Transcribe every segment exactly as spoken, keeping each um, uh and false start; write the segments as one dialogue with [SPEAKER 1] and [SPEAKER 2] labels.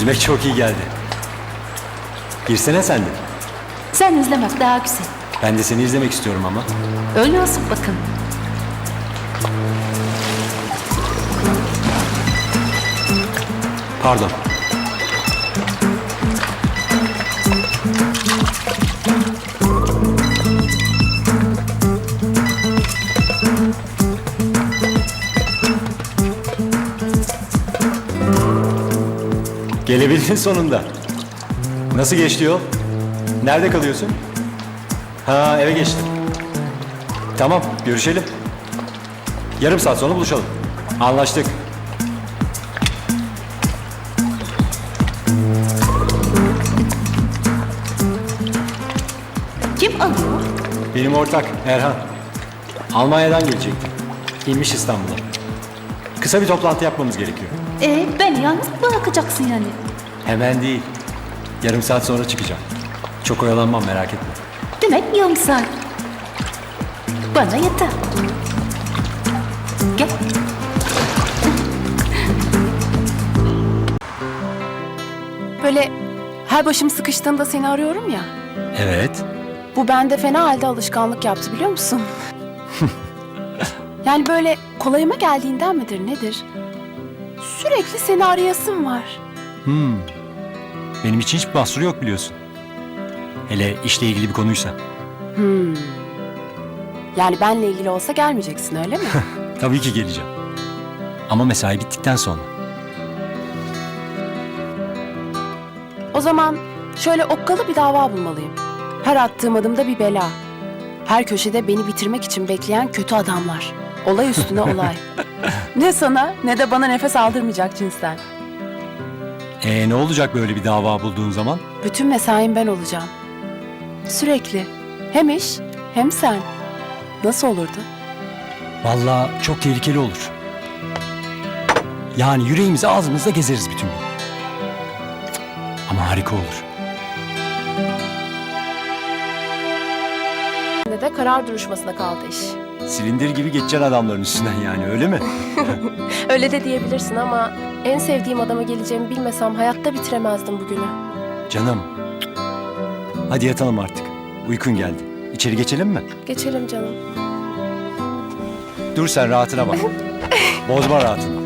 [SPEAKER 1] Yüzmek çok iyi geldi. Girsene sen de.
[SPEAKER 2] Sen izlemek daha güzel.
[SPEAKER 1] Ben de seni izlemek istiyorum ama.
[SPEAKER 2] Öyle olsun bakın.
[SPEAKER 1] Pardon. Gelebildin sonunda. Nasıl geçti yol? Nerede kalıyorsun? Ha, eve geçtim. Tamam, görüşelim. Yarım saat sonra buluşalım. Anlaştık.
[SPEAKER 2] Kim alıyor?
[SPEAKER 1] Benim ortak Erhan. Almanya'dan gelecekti. İnmiş İstanbul'a. Kısa bir toplantı yapmamız gerekiyor.
[SPEAKER 2] Ee, beni yalnız mı bırakacaksın yani?
[SPEAKER 1] Hemen değil. Yarım saat sonra çıkacağım. Çok oyalanmam, merak etme.
[SPEAKER 2] Demek yarım saat. Bana yeter. Gel.
[SPEAKER 3] Böyle her başım sıkıştığında seni arıyorum ya.
[SPEAKER 1] Evet.
[SPEAKER 3] Bu bende fena halde alışkanlık yaptı biliyor musun? Yani böyle kolayıma geldiğinden midir nedir? Sürekli seni arayasım var.
[SPEAKER 1] Hmm. Benim için hiçbir mahsuru yok biliyorsun. Hele işle ilgili bir konuysa.
[SPEAKER 3] Hmm. Yani benle ilgili olsa gelmeyeceksin öyle mi?
[SPEAKER 1] Tabii ki geleceğim. Ama mesai bittikten sonra.
[SPEAKER 3] O zaman şöyle okkalı bir dava bulmalıyım. Her attığım adımda bir bela. Her köşede beni bitirmek için bekleyen kötü adamlar. Olay üstüne olay. Ne sana ne de bana nefes aldırmayacak cinsten.
[SPEAKER 1] Ee, ne olacak böyle bir dava bulduğun zaman?
[SPEAKER 3] Bütün mesaim ben olacağım. Sürekli. Hem iş hem sen. Nasıl olurdu?
[SPEAKER 1] Vallahi çok tehlikeli olur. Yani yüreğimizi ağzımızda gezeriz bütün gün. Ama harika olur.
[SPEAKER 3] Ne de karar duruşmasına kaldı iş.
[SPEAKER 1] Silindir gibi geçeceksin adamların üstünden yani, öyle mi?
[SPEAKER 3] Öyle de diyebilirsin ama en sevdiğim adama geleceğimi bilmesem hayatta bitiremezdim bugünü.
[SPEAKER 1] Canım. Hadi yatalım artık. Uykun geldi. İçeri geçelim mi?
[SPEAKER 3] Geçelim canım.
[SPEAKER 1] Dur sen, rahatına bak. Bozma rahatını.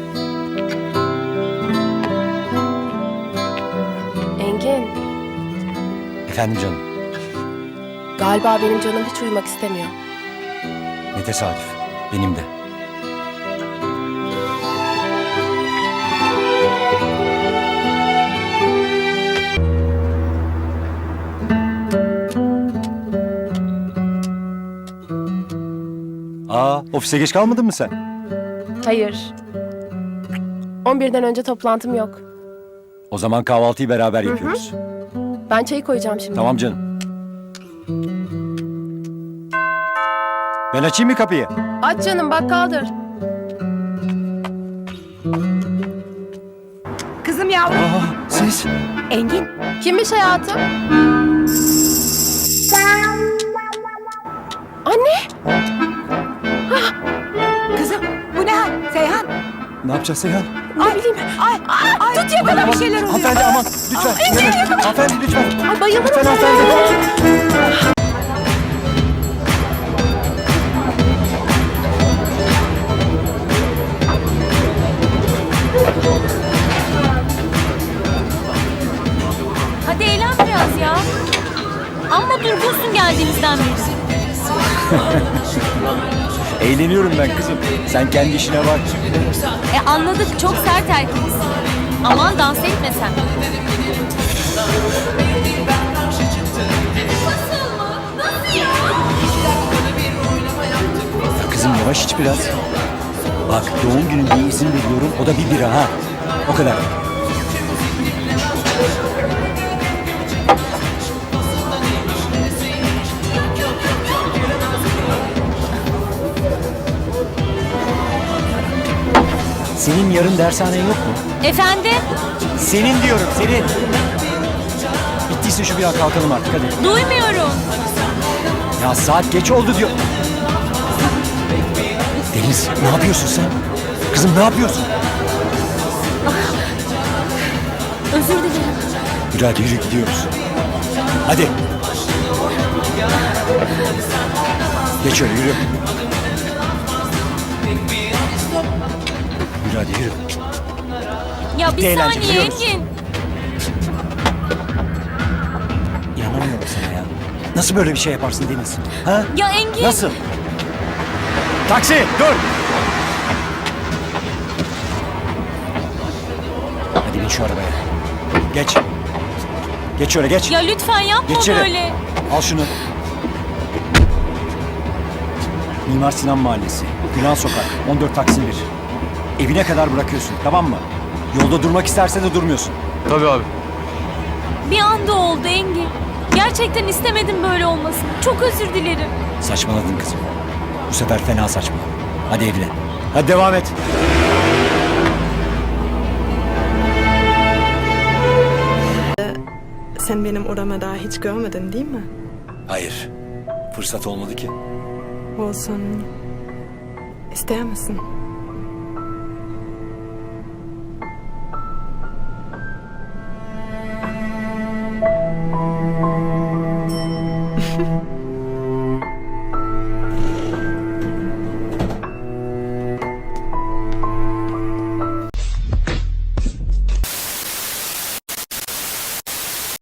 [SPEAKER 3] Engin,
[SPEAKER 1] Efendim canım.
[SPEAKER 3] galiba benim canım hiç uyumak istemiyor.
[SPEAKER 1] Ne tesadüf. Benim de. Aa, ofise geç kalmadın mı sen?
[SPEAKER 3] Hayır. on birden önce toplantım yok.
[SPEAKER 1] O zaman kahvaltıyı beraber yapıyoruz.
[SPEAKER 3] Ben çayı koyacağım şimdi.
[SPEAKER 1] Tamam canım. Ben açayım mı kapıyı?
[SPEAKER 3] Aç canım, bak kaldır.
[SPEAKER 4] Kızım yavrum.
[SPEAKER 1] Aa, siz?
[SPEAKER 4] Engin.
[SPEAKER 3] Kimmiş hayatım? Anne!
[SPEAKER 4] Kızım bu ne hal? Seyhan.
[SPEAKER 1] Ne yapacağız Seyhan?
[SPEAKER 3] Ne bileyim.
[SPEAKER 4] Ay, ay, tut yakala bir şeyler oluyor.
[SPEAKER 1] Hanımefendi aman lütfen. Yanaş. Hanımefendi lütfen.
[SPEAKER 3] Ay bayılırım.
[SPEAKER 1] Lütfen hanımefendi.
[SPEAKER 5] Hadi eğlen biraz ya. Amma durgunsun geldiğimizden beri.
[SPEAKER 1] Eğleniyorum ben kızım. Sen kendi işine bak.
[SPEAKER 5] E anladık, çok sert erkeksiz. Aman dans etme sen.
[SPEAKER 1] Kızım yavaş iç biraz. Bak doğum gününde izin veriyorum. O da bir bira ha. O kadar. Senin yarın dershanen yok mu?
[SPEAKER 5] Efendim?
[SPEAKER 1] Senin diyorum, senin. Bittiyse şu bir an kalkalım artık hadi.
[SPEAKER 5] Duymuyorum.
[SPEAKER 1] Ya saat geç oldu diyor. Deniz ne yapıyorsun sen? Kızım ne yapıyorsun?
[SPEAKER 5] Özür dilerim.
[SPEAKER 1] Yürü hadi yürü gidiyoruz. Hadi. Geç öyle yürü. Yürü hadi yürü.
[SPEAKER 5] Ya bir
[SPEAKER 1] Eğlence,
[SPEAKER 5] saniye
[SPEAKER 1] biliyoruz.
[SPEAKER 5] Engin.
[SPEAKER 1] İnanamıyorum sana ya. Nasıl böyle bir şey yaparsın Deniz? Ha?
[SPEAKER 5] Ya Engin.
[SPEAKER 1] Nasıl? Taksi dur. Hadi bin şu arabaya. Geç. Geç şöyle geç.
[SPEAKER 5] Ya lütfen yapma
[SPEAKER 1] Geç içeri.
[SPEAKER 5] böyle.
[SPEAKER 1] Al şunu. Mimar Sinan Mahallesi. Gülen Sokak. on dört Taksim bir. Evine kadar bırakıyorsun, tamam mı? Yolda durmak isterse de durmuyorsun.
[SPEAKER 6] Tabii abi.
[SPEAKER 5] Bir anda oldu Engin. Gerçekten istemedim böyle olmasını. Çok özür dilerim.
[SPEAKER 1] Saçmaladın kızım. Bu sefer fena saçma. Hadi evine. Hadi devam et.
[SPEAKER 7] Sen benim odamı daha hiç görmedin değil mi?
[SPEAKER 1] Hayır. Fırsat olmadı ki.
[SPEAKER 7] Olsun. İster misin?